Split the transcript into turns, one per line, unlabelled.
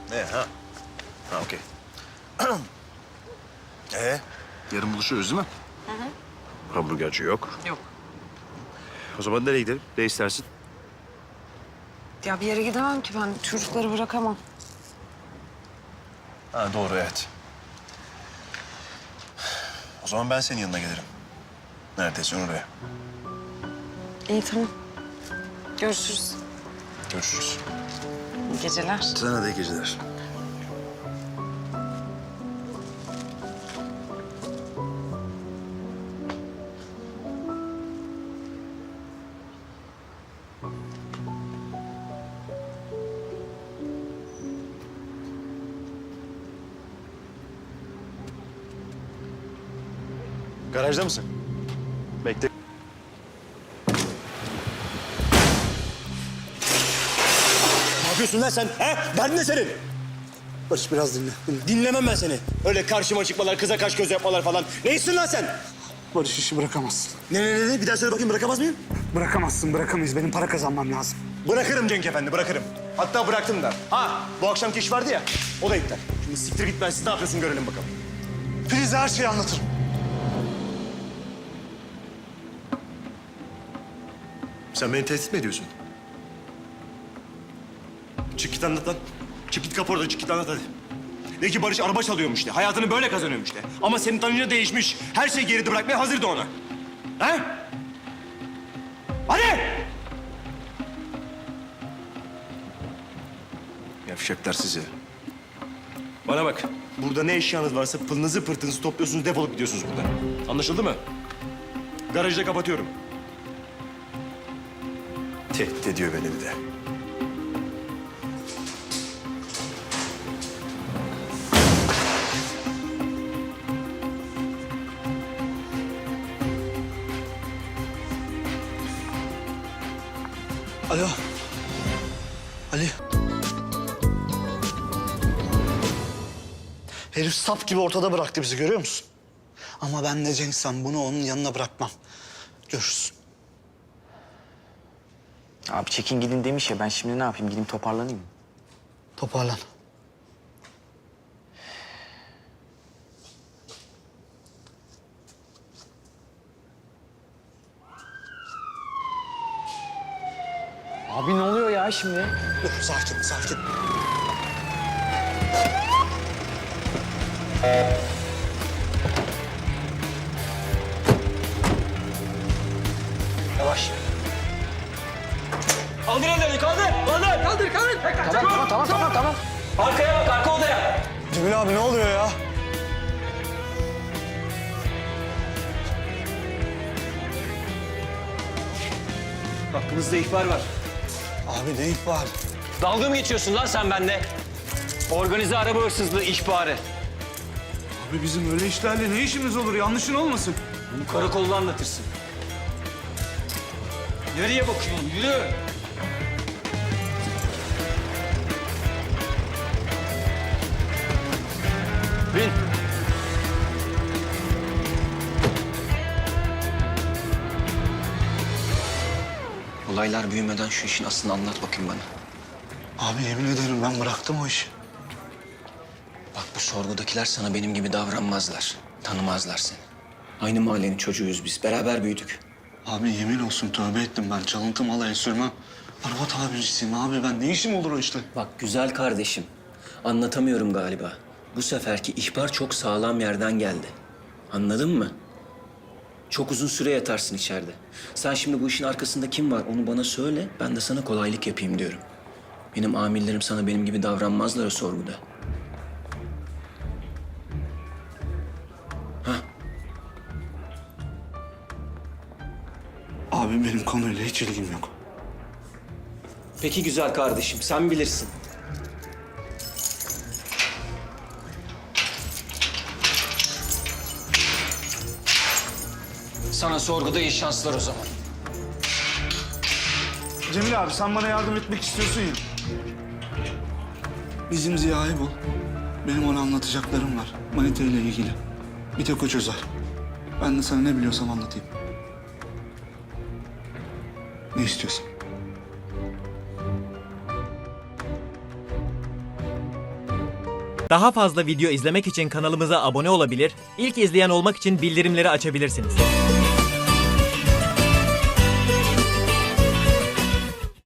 Ne ha? Ha okey. Yarın buluşuyoruz değil mi? Hamburgerci yok.
Yok.
O zaman nereye gidelim? Ne istersin?
Ya bir yere gidemem ki ben. Çocukları bırakamam.
Ha doğru evet. O zaman ben senin yanına gelirim. Neredeyse oraya.
İyi tamam. Görüşürüz.
Görüşürüz.
İyi geceler.
Sana da iyi geceler. Garajda mısın? Bekle.
Ne yapıyorsun lan sen? He? Derdin ne senin? Barış biraz dinle. Dinlemem ben seni. Öyle karşıma çıkmalar, kıza kaş göz yapmalar falan. Neysin lan sen?
Barış işi bırakamazsın.
Ne? Bir daha söyle bakayım, bırakamaz mıyım?
Bırakamazsın, bırakamayız. Benim para kazanmam lazım.
Bırakırım Cenk Efendi, bırakırım. Hatta bıraktım da. Ha, bu akşamki iş vardı ya, o da iptal. Şimdi siktir git, ben siz ne yapıyorsun görelim bakalım.
Filiz'e her şeyi anlatırım.
Sen beni tehdit mi ediyorsun?
Çık git anlat lan. Çık git kapı orada, çık git anlat hadi. De ki Barış araba çalıyormuş de, hayatını böyle kazanıyormuş de. Ama senin tanınca değişmiş, her şeyi geride bırakmaya hazırdı ona. He? Hadi!
Yavşaklar sizi.
Bana bak, burada ne eşyanız varsa pılınızı pırtınızı topluyorsunuz, defolup gidiyorsunuz buradan. Anlaşıldı mı? Garajı da kapatıyorum.
Tehdit ediyor beni bir de.
Alo. Ali. Herif sap gibi ortada bıraktı bizi, görüyor musun? Ama ben de Cenk'sem bunu onun yanına bırakmam. Görürsün.
Abi çekin gidin demiş ya, ben şimdi ne yapayım, gideyim toparlanayım mı?
Toparlan.
Abi ne oluyor ya şimdi?
Dur, sakin, sakin.
Yavaş. Kaldır ellerini, kaldır! Kaldır!
Tamam.
Arkaya bak, arka odaya!
Cemil abi ne oluyor ya?
Hakkınızda ihbar var.
Abi ne ihbar?
Dalga mı geçiyorsun lan sen bende? Organize araba hırsızlığı ihbarı.
Abi bizim öyle işlerle ne işimiz olur? Yanlışın olmasın.
Bunu karakolda anlatırsın. Nereye bakıyorsun? Yürü. Bin.
Olaylar büyümeden şu işin aslını anlat bakayım bana.
Abi yemin ederim ben bıraktım o işi.
Bak bu sorgudakiler sana benim gibi davranmazlar. Tanımazlar seni. Aynı mahallenin çocuğuyuz biz. Beraber büyüdük.
Abi yemin olsun tövbe ettim ben. Çalıntı malayı sürmem. Araba tamircisiyim abi ben. Ne işim olur o işte?
Bak güzel kardeşim. Anlatamıyorum galiba. Bu seferki ihbar çok sağlam yerden geldi. Anladın mı? Çok uzun süre yatarsın içeride. Sen şimdi bu işin arkasında kim var onu bana söyle. Ben de sana kolaylık yapayım diyorum. Benim amirlerim sana benim gibi davranmazlar o sorguda.
Abi benim konuyla hiç ilgim yok.
Peki güzel kardeşim, sen bilirsin.
Sana sorguda iyi şanslar o zaman.
Cemil abi sen bana yardım etmek istiyorsun ya. Bizim Ziya'yı bul. Benim ona anlatacaklarım var. Manita ile ilgili. Bir tek o çözer. Ben de sana ne biliyorsam anlatayım. Ne istiyorsan.
Daha fazla video izlemek için kanalımıza abone olabilir, ilk izleyen olmak için bildirimleri açabilirsiniz.